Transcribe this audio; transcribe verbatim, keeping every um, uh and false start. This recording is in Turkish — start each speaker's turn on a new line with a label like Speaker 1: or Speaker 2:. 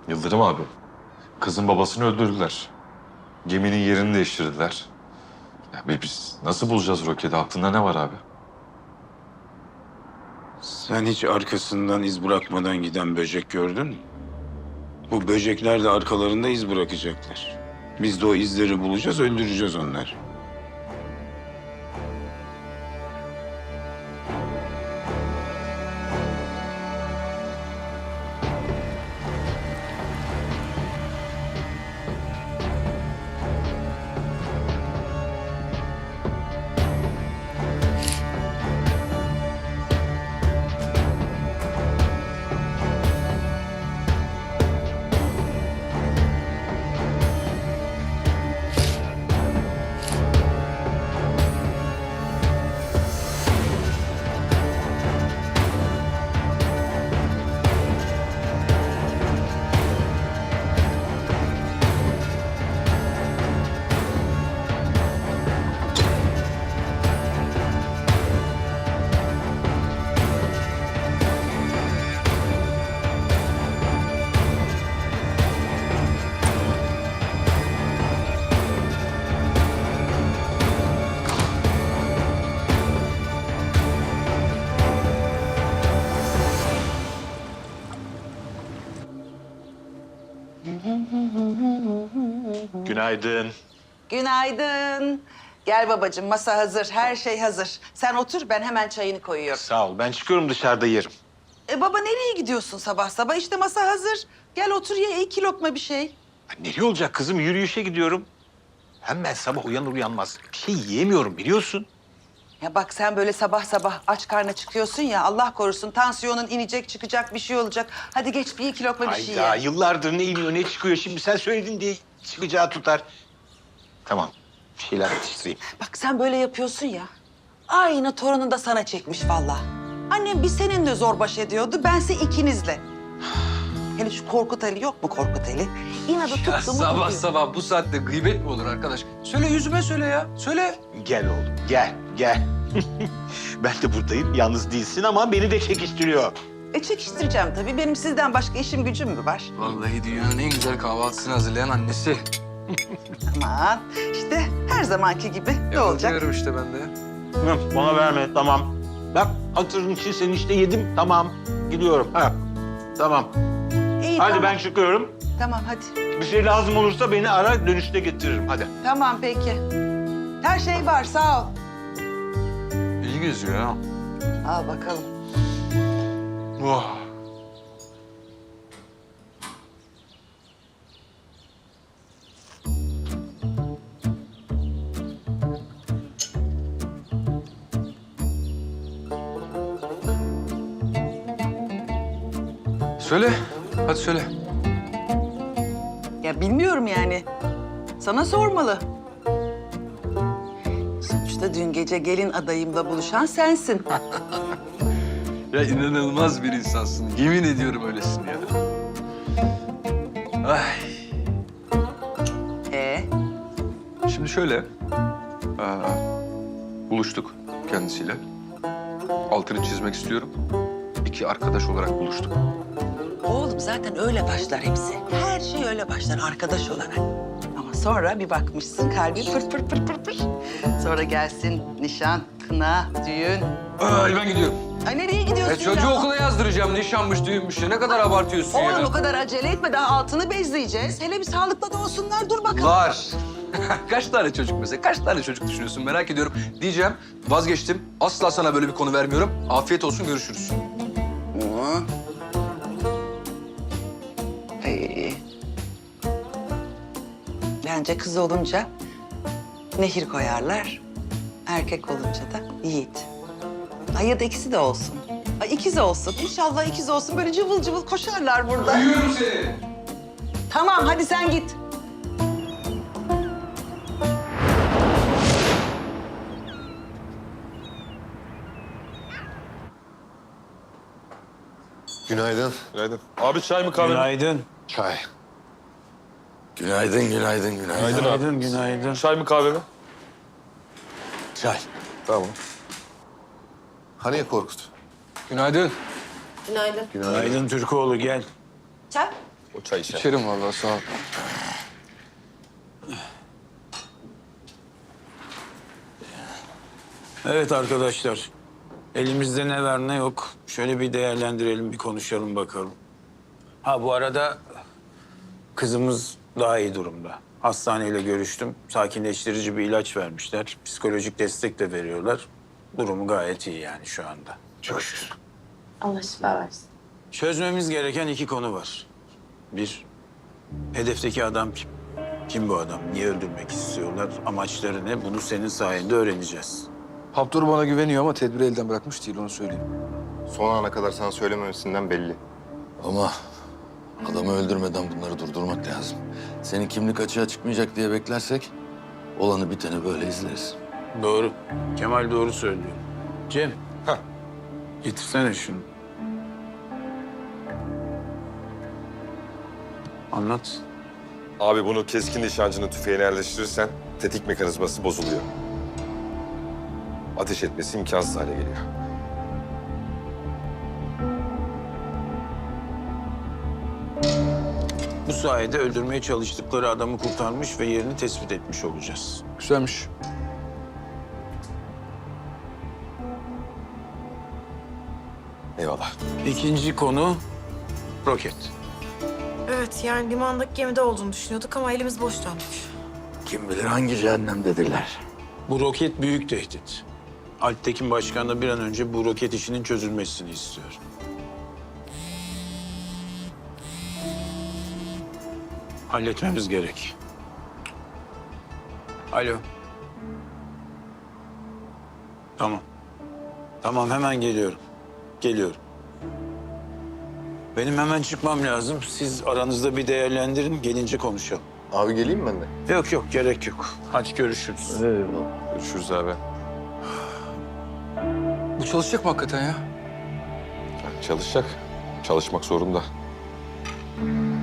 Speaker 1: Yıldırım abi, kızın babasını öldürdüler. Geminin yerini değiştirdiler. Ya be biz nasıl bulacağız roketi? Aklında ne var abi?
Speaker 2: Sen hiç arkasından iz bırakmadan giden böcek gördün mü? Bu böcekler de arkalarında iz bırakacaklar. Biz de o izleri bulacağız, öldüreceğiz onları.
Speaker 3: Günaydın.
Speaker 4: Günaydın. Gel babacığım, masa hazır, her şey hazır. Sen otur, ben hemen çayını koyuyorum.
Speaker 3: Sağ ol. Ben çıkıyorum, dışarıda yerim.
Speaker 4: E baba nereye gidiyorsun sabah sabah? İşte masa hazır. Gel otur ye, iki lokma bir şey.
Speaker 3: Ya nereye olacak kızım? Yürüyüşe gidiyorum. Hem ben sabah uyanır uyanmaz bir şey yiyemiyorum biliyorsun.
Speaker 4: Ya bak sen böyle sabah sabah aç karnına çıkıyorsun ya, Allah korusun tansiyonun inecek, çıkacak, bir şey olacak. Hadi geç bir iki lokma bir şey
Speaker 3: Hayda,
Speaker 4: ye.
Speaker 3: yıllardır ne iniyor ne çıkıyor. Şimdi sen söyledin diye çıkacağı tutar. Tamam, bir şeyler atıştırayım.
Speaker 4: Bak sen böyle yapıyorsun ya, aynı torunun da sana çekmiş vallahi. Annem bir seninle zor baş ediyordu, bense ikinizle. Hele şu Korkut Ali yok mu Korkut Ali? İnadı
Speaker 5: Ya
Speaker 4: tuttu mu
Speaker 5: sabah
Speaker 4: tutuyor.
Speaker 5: sabah bu saatte gıybet mi olur arkadaş? Söyle yüzüme söyle ya. Söyle.
Speaker 3: Gel oğlum, gel, gel. Ben de buradayım, yalnız değilsin ama beni de çekiştiriyor.
Speaker 4: E çekiştireceğim tabii. Benim sizden başka işim gücüm mü var?
Speaker 5: Vallahi dünyanın en güzel kahvaltısını hazırlayan annesi.
Speaker 4: Aman işte her zamanki gibi ne olacak?
Speaker 5: Yapıyorum işte ben de.
Speaker 3: Hı, bana verme, tamam. Bak, hatırın için seni işte yedim, tamam. Gidiyorum, ha. Tamam.
Speaker 4: İyi,
Speaker 3: Hadi
Speaker 4: tamam.
Speaker 3: ben çıkıyorum.
Speaker 4: Tamam hadi.
Speaker 3: Bir şey lazım olursa beni ara, dönüşte getiririm. Hadi.
Speaker 4: Tamam peki. Her şey var sağ ol.
Speaker 5: İyi geziyor ya.
Speaker 4: Al bakalım.
Speaker 5: Oh. Söyle. Hadi söyle.
Speaker 4: Ya bilmiyorum yani. Sana sormalı. Sonuçta dün gece gelin adayımla buluşan sensin.
Speaker 5: Ya inanılmaz bir insansın. Yemin ediyorum öylesin ya. Ay.
Speaker 4: Ee,
Speaker 5: Şimdi şöyle. Aa, buluştuk kendisiyle. Altını çizmek istiyorum. İki arkadaş olarak buluştuk.
Speaker 4: oğlum zaten öyle başlar hepsi. Her şey öyle başlar arkadaş olarak. Ama sonra bir bakmışsın kalbin pır pır pır pır pır. Sonra gelsin nişan, kına, düğün.
Speaker 5: Ay ben gidiyorum.
Speaker 4: Ay nereye gidiyorsun
Speaker 5: E, çocuğu
Speaker 4: ya?
Speaker 5: okula yazdıracağım. Nişanmış, düğünmüş. Ne kadar abartıyorsun ya?
Speaker 4: Oğlum o kadar acele etme, daha altını bezleyeceğiz. Hele bir sağlıklı da olsunlar, dur bakalım.
Speaker 5: Var. Kaç tane çocuk mesela? Kaç tane çocuk düşünüyorsun? Merak ediyorum. Diyeceğim, vazgeçtim. Asla sana böyle bir konu vermiyorum. Afiyet olsun, görüşürüz.
Speaker 4: Hı. Ay. Bence kız olunca Nehir koyarlar. Erkek olunca da Yiğit. Ay ya da ikisi de olsun. Ay ikiz olsun. İnşallah ikiz olsun. Böyle cıvıl cıvıl koşarlar burada.
Speaker 5: Duyuyorum seni.
Speaker 4: Tamam hadi sen git.
Speaker 1: Günaydın. Günaydın. Abi çay mı kahve mi?
Speaker 2: Günaydın.
Speaker 1: Çay.
Speaker 2: Günaydın, günaydın, günaydın.
Speaker 1: Günaydın abi.
Speaker 2: Günaydın, günaydın.
Speaker 1: Çay mı kahve mi?
Speaker 2: Çay.
Speaker 1: Tamam.
Speaker 6: Hani Korkut?
Speaker 5: Günaydın.
Speaker 7: Günaydın.
Speaker 2: Günaydın Türkoğlu, gel.
Speaker 7: Çay?
Speaker 1: O çay içer.
Speaker 5: İçerim vallahi sağ ol.
Speaker 2: Evet arkadaşlar. Elimizde ne var ne yok. Şöyle bir değerlendirelim, bir konuşalım bakalım. Ha bu arada kızımız daha iyi durumda. Hastaneyle görüştüm. Sakinleştirici bir ilaç vermişler. Psikolojik destek de veriyorlar. Durumu gayet iyi yani şu anda. Çok şükür.
Speaker 6: Allah şifa versin.
Speaker 2: Çözmemiz gereken iki konu var. Bir, hedefteki adam kim? Kim bu adam? Niye öldürmek istiyorlar? Amaçları ne? Bunu senin sayende öğreneceğiz.
Speaker 5: Haptor bana güveniyor ama tedbiri elden bırakmış değil, onu söyleyeyim.
Speaker 7: Son ana kadar sana söylememesinden belli.
Speaker 8: Ama adamı öldürmeden bunları durdurmak lazım. Senin kimlik açığa çıkmayacak diye beklersek olanı biteni böyle izleriz.
Speaker 2: Doğru. Kemal doğru söylüyor. Cem.
Speaker 1: Hah.
Speaker 2: Getirsene şunu. Anlat.
Speaker 9: Abi bunu keskin nişancının tüfeğine yerleştirirsen tetik mekanizması bozuluyor. Ateş etmesi imkansız hale geliyor.
Speaker 2: Bu sayede öldürmeye çalıştıkları adamı kurtarmış ve yerini tespit etmiş olacağız.
Speaker 5: Güzelmiş.
Speaker 9: Eyvallah.
Speaker 2: İkinci konu roket.
Speaker 6: Evet yani limandaki gemide olduğunu düşünüyorduk ama elimiz boş döndük.
Speaker 8: Kim bilir hangi cehennemdedirler.
Speaker 2: Bu roket büyük tehdit. Alptekin Başkan da bir an önce bu roket işinin çözülmesini istiyor. Halletmemiz gerek. Alo. Tamam. Tamam hemen geliyorum. Geliyorum. Benim hemen çıkmam lazım. Siz aranızda bir değerlendirin, gelince konuşalım.
Speaker 7: Abi geleyim ben de.
Speaker 2: Yok yok, gerek yok. Hadi görüşürüz.
Speaker 8: Eyvallah.
Speaker 9: Görüşürüz abi.
Speaker 5: Bu çalışacak mı hakikaten ya?
Speaker 9: Çalışacak. Çalışmak zorunda.